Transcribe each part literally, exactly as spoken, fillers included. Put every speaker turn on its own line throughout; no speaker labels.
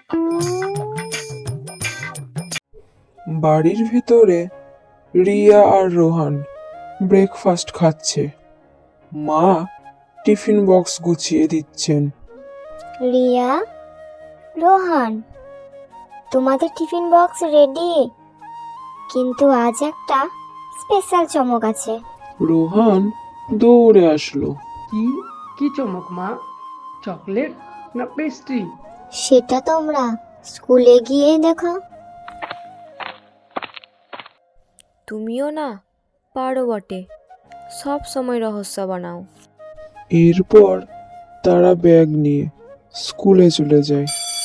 বাড়ির ভেতরে রিয়া আর রোহান ব্রেকফাস্ট খাচ্ছে। মা টিফিন বক্স গুছিয়ে দিচ্ছেন।
রিয়া, রোহান, তোমাদের টিফিন বক্স রেডি, কিন্তু আজ একটা স্পেশাল চমক আছে।
রোহান দৌড়ে আসলো।
কি কি চমক মা? চকলেট না পেস্ট্রি?
সেটা তোমরা স্কুলে গিয়ে দেখো।
তুমিও না পারো বটে, সব সময় রহস্য বানাও।
এরপর তারা ব্যাগ নিয়ে স্কুলে চলে যায়।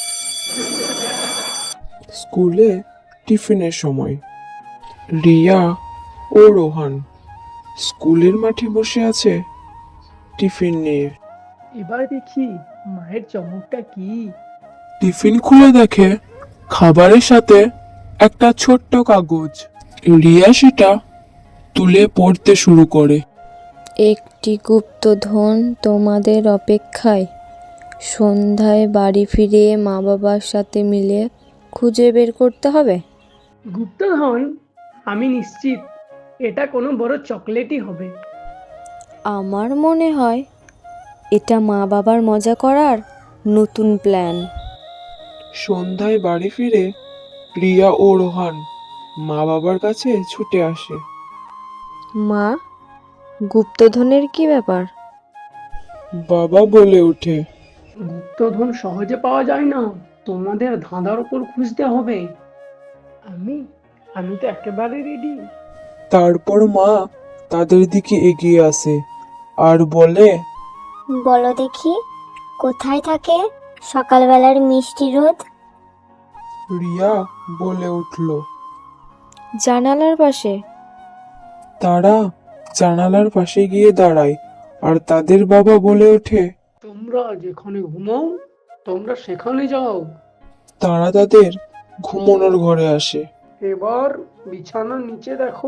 স্কুলে টিফিনের সময় রিয়া ও রোহান স্কুলের মাঠে বসে আছে টিফিন নিয়ে।
এবার দেখি মায়ের চমকটা কি।
টিফিন খুলে দেখে খাবারের সাথে একটা ছোট্ট কাগজ। রিয়া সেটা তুলে পড়তে শুরু করে।
একটি গুপ্তধন তোমাদের অপেক্ষায়, সন্ধ্যায় বাড়ি ফিরে মা বাবার সাথে মিলে খুঁজে বের করতে হবে।
গুপ্তধন? আমি নিশ্চিত এটা কোনো বড় চকলেটই হবে।
আমার মনে হয় এটা মা বাবার মজা করার নতুন প্ল্যান।
সন্ধ্যায় বাড়ি ফিরে রিয়া ও রোহান মা বাবার কাছে ছুটে আসে।
মা, গুপ্তধনের কি ব্যাপার?
বাবা বলে ওঠে,
গুপ্তধন সহজে পাওয়া যায় না, তোমাদের ধাঁধার উপর খুঁজতে হবে। আমি আমি তো একেবারে রেডি।
তারপর মা তাদের দিকে এগিয়ে আসে আর বলে,
বলো দেখি, কোথায় থাকে সকালবেলার মিষ্টি রোদ?
রিয়া বলে উঠল।
জানালার পাশে।
তারা জানালার পাশে গিয়ে দাঁড়ায় আর তাদের বাবা বলে ওঠে,
তোমরা যেখানে ঘুমাও তোমরা সেখানে যাও।
তারা তাদের ঘুমানোর ঘরে আসে।
এবার বিছানার নিচে দেখো।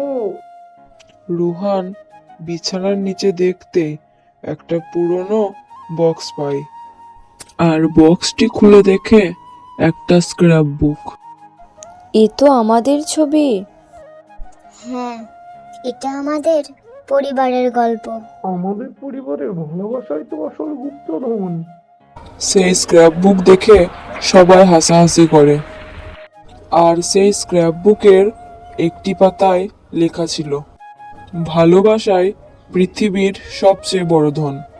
রোহান বিছানার নিচে দেখতে একটা পুরনো বক্স পায় আর বক্সটি খুলে দেখে একটা স্ক্র্যাপ বুক।
এ তো আমাদের ছবি।
হ্যাঁ, এটা আমাদের পরিবারের গল্প।
আমাদের পরিবারের ভালোবাসাই তো আসল গুপ্তধন।
সেই স্ক্র্যাপ বুক দেখে সবাই হাসাহাসি করে আর সেই স্ক্র্যাপ বুকের একটি পাতায় লেখা ছিল, ভালোবাসায় পৃথিবীর সবচেয়ে বড় ধন।